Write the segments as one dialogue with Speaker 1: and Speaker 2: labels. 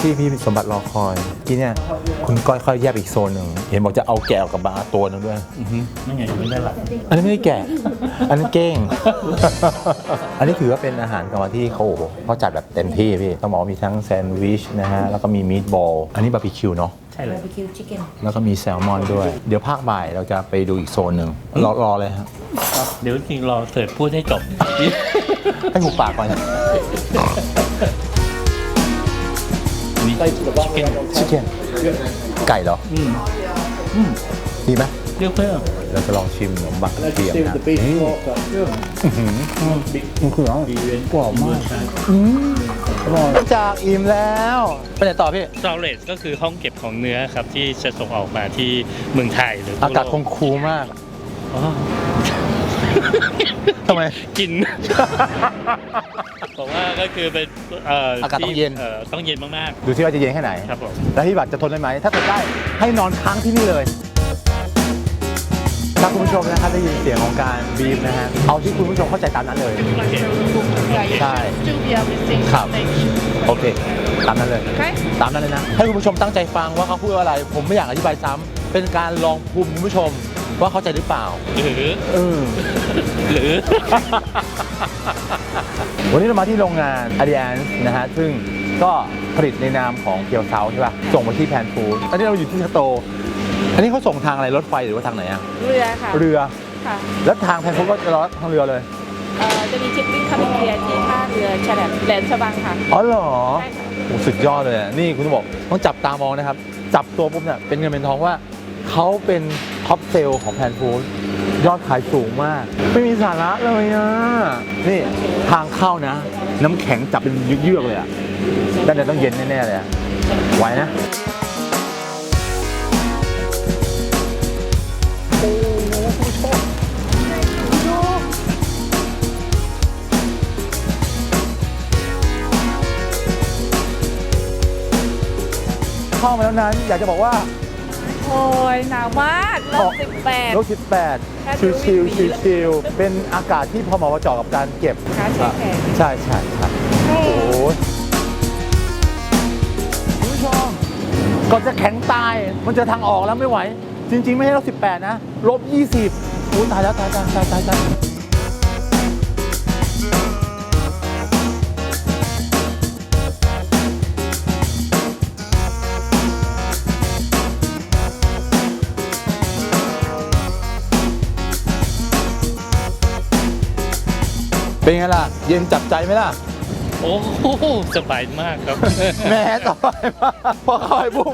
Speaker 1: ที่พี่สมบัติรอคอยที่เนี่ยคุณก้อยค่อยแยกอีกโซนหนึ่งเห็นบอกจะเอาแกะออกกับบาตัวนึงด้วย
Speaker 2: นั่นไงอยู่ด้านหลัง
Speaker 1: อันนี้ไม่ได้แกะอันนั้นเก้ง อันนี้ถือว่าเป็นอาหารกลางวันที่เขาจัดแบบเต็มที่พี่ต้องบอกว่ามีทั้งแซนด์วิชนะฮะแล้วก็มีมีทบอลอันนี้บาร์บีคิวเนาะ
Speaker 2: ใช่เลย
Speaker 3: บาร์บีคิวชิคเก้น
Speaker 1: แล้วก็มีแซลมอนด้วยเดี๋ยวภาคบ่ายเราจะไปดูอีกโซนหนึ่งรอเลยฮะ
Speaker 2: เดี๋ยวจริงรอเสิร์ฟพูดให้จบ
Speaker 1: ให้หูปากก่อนชิคเก้นไก่เหรอดีไหม
Speaker 2: เรียกเพิ่ม
Speaker 1: เราจะลองชิมขนมบักเทียมนะนี่มันคืออะไรกรอบมากอร่อยจากอิ่มแล้วไปไหนต่อพี่
Speaker 2: สตอเรจก็คือห้องเก็บของเนื้อครับที่จะส่งออกมาที่เมืองไทยหรือ
Speaker 1: อากาศคงคูลมากทำไม
Speaker 2: กินบอกว่าก็คือเป็น
Speaker 1: อากาศต้องเย็น
Speaker 2: ต้องเย็นมาก
Speaker 1: ๆดูที่ว่าจะเย็นแค่ไหน
Speaker 2: ครับผม
Speaker 1: แล้วพี่บัตรจะทนได้ไหมถ้าทนได้ให้นอนค้างที่นี่เลยถ้าคุณผู้ชมนะครับได้ยินเสียงของการบีบนะฮะเอาที่คุณผู้ชมเข้าใจตามนั้นเลยใช่ครับโอเคตามนั้นเลยตามนั้นเลยนะให้คุณผู้ชมตั้งใจฟังว่าเขาพูดอะไรผมไม่อยากอธิบายซ้ำเป็นการลองภูมิคุณผู้ชมว่าเข้าใจหรือเปล่า
Speaker 2: หรือ
Speaker 1: วันนี้เรามาที่โรงงาน Alliance นะฮะซึ่งก็ผลิตในนามของเกียวเซาใช่ป่ะส่งมาที่แพนฟูดตอนนี้เราอยู่ที่สโตร์อันนี้เขาส่งทางอะไรรถไฟหรือว่าทางไหนอะ
Speaker 3: เรือค่ะ
Speaker 1: เรือ
Speaker 3: ค่ะ
Speaker 1: แล้วทางแพนฟูดก็จะรอทางเรือเลย
Speaker 3: จะมีชิปปิ้งคาบิเลียที่ท่าเรือแหลมฉบังค่ะ
Speaker 1: อ๋อเหรอ
Speaker 3: ใช่ค่ะ
Speaker 1: โอ้สุดยอดเลยนี่คุณบอกต้องจับตามองนะครับจับตัวปุ๊บเนี่ยเป็นเงินเป็นทองว่าเขาเป็นท็อปเซลล์ของแพนฟูดยอดขายสูงมากไม่มีสาระเลยอ่ะนี่ทางเข้านะน้ำแข็งจับเป็นเยือกๆเลยอ่ะด้านในต้องเย็นแน่ๆเลยอ่ะไหวนะเข้ามาแล้วนั้นอยากจะบอกว่า
Speaker 3: โอ้ยหนาวมาก
Speaker 1: ลบ18ชิลๆเป็นอากาศที่พอเหมาะเจาะกับการเก็บใช่ครับโอ้ยคุณผู้ชมก่อนจะแข็งตายมันจะทางออกแล้วไม่ไหวจริงๆไม่ใช่ลบ18นะลบ20โอ้ยตายแล้วตายเป็นไงล่ะเย็นจับใจไหมล่ะ
Speaker 2: โอ้โหสบายมากครับ
Speaker 1: แม่สบายมากพอเข้าไปปุ๊บ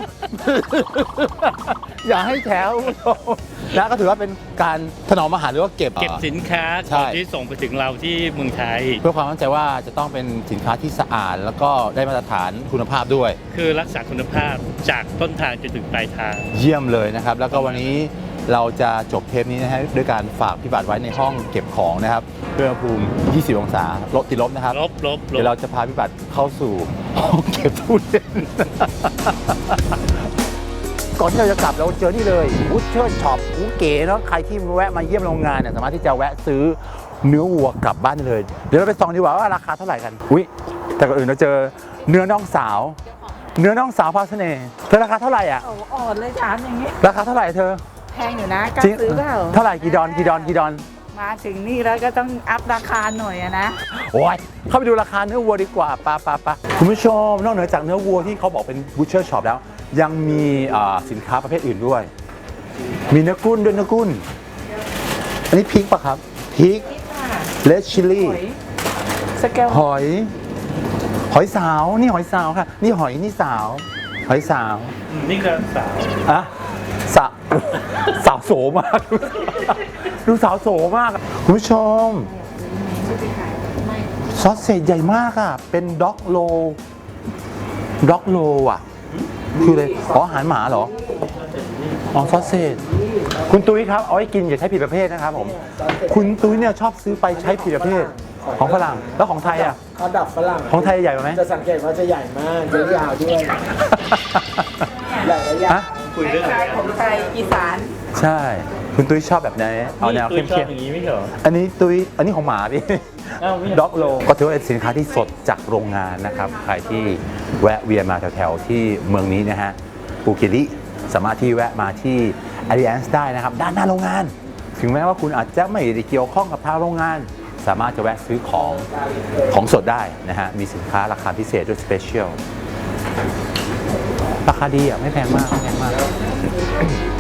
Speaker 1: อย่าให้แถวแล้วก็ถือว่าเป็นการถนอมอาหารหรือว่าเก็บ
Speaker 2: สินค้าที่ส่งไปถึงเราที่เมืองไทย
Speaker 1: เพื่อความมั่นใจว่าจะต้องเป็นสินค้าที่สะอาดแล้วก็ได้มาตรฐานคุณภาพด้วย
Speaker 2: คือรักษาคุณภาพจากต้นทางจนถึงปลายทาง
Speaker 1: เยี่ยมเลยนะครับแล้วก็วันนี้เราจะจบเทปนี้นะฮะด้วยการฝากพี่บัตรไว้ในห้องเก็บของนะครับอุณหภูมิ20 องศาติดลบนะครับ
Speaker 2: ลบ
Speaker 1: เดี๋ยวเราจะพาพี่บัตรเข้าสู่ห้องเก็บตู้เย็นก่อนที่เราจะกลับเราเจอนี่เลยบูชเชอร์ช็อปเก๋เนาะใครที่แวะมาเยี่ยมโรงงานเนี่ยสามารถที่จะแวะซื้อเนื้อวัวกลับบ้านได้เลยเดี๋ยวเราไปส่องดีกว่าว่าราคาเท่าไหร่กันแต่ก่อนอื่นเราเจอเนื้อน้องสาวพาเสน่ห์เธอราคาเท่าไหร่อ่ะ
Speaker 3: อ่อนเลยถามอย่างนี้
Speaker 1: ราคาเท่าไหร่เธอ
Speaker 3: แพงอยู่นะกล้าซื้อเปล่า
Speaker 1: เท่าไหร่กี่ดอน
Speaker 3: มาถึงนี่แล้วก็ต้องอัพราคาหน่อยนะ
Speaker 1: โอ้ยเข้าไปดูราคาเนื้อวัวดีกว่าปะคุณผู้ชมนอกเหนือจากเนื้อวัวที่เขาบอกเป็นบูชเชอร์ช็อปแล้วยังมีสินค้าประเภทอื่นด้วยมีเนื้อกุ้นด้วยเนื้อกุ้นอันนี้พริกปะครับพริกเลดชิลลี่หอยสาวนี่หอยสาวค่ะนี่หอยนี่สาวหอยสาว
Speaker 2: นี่ก็สาว
Speaker 1: อะสาวโสมากดูสาวโสมากคุณผู้ชมซอสเศษใหญ่มากอ่ะเป็นด็อกโลอ่ะคือเลยอาหารหมาเหรอซอสเศษคุณตุ้ยครับเอาไว้กินอย่าใช้ผิดประเภทนะครับผมคุณตุ้ยเนี่ยชอบซื้อไปใช้ผิดประเภทของฝรั่งแล้วของไทยอ่ะ
Speaker 4: เขาดับฝรั่ง
Speaker 1: ของไทยใหญ่ไหม
Speaker 4: จะสังเกตว่าจะใหญ่มากยาวด้วยใหญ่และยาว
Speaker 2: คุยเรื่อง
Speaker 3: ของไทยอีสาน
Speaker 1: ใช่คุณตุ้ยชอบแบบไหนเอาแนวเข้มๆ
Speaker 2: อย่างนี้ไม่เหรอ
Speaker 1: อันนี้ของหมาพี่ด็อกโลก็ถือว่าเป็นสินค้าที่สดจากโรงงานนะครับใครที่แวะเวียนมาแถวๆที่เมืองนี้นะฮะปูกิริสามารถที่แวะมาที่ Alliance ได้นะครับด้านหน้าโรงงาน ถึงแม้ว่าคุณอาจจะไม่ได้เกี่ยวข้องกับทางโรงงาน สามารถจะแวะซื้อของสดได้นะฮะมีสินค้าราคาพิเศษด้วยสเปเชียลราคาดีอ่ะไม่แพงมากไม่แพงมาก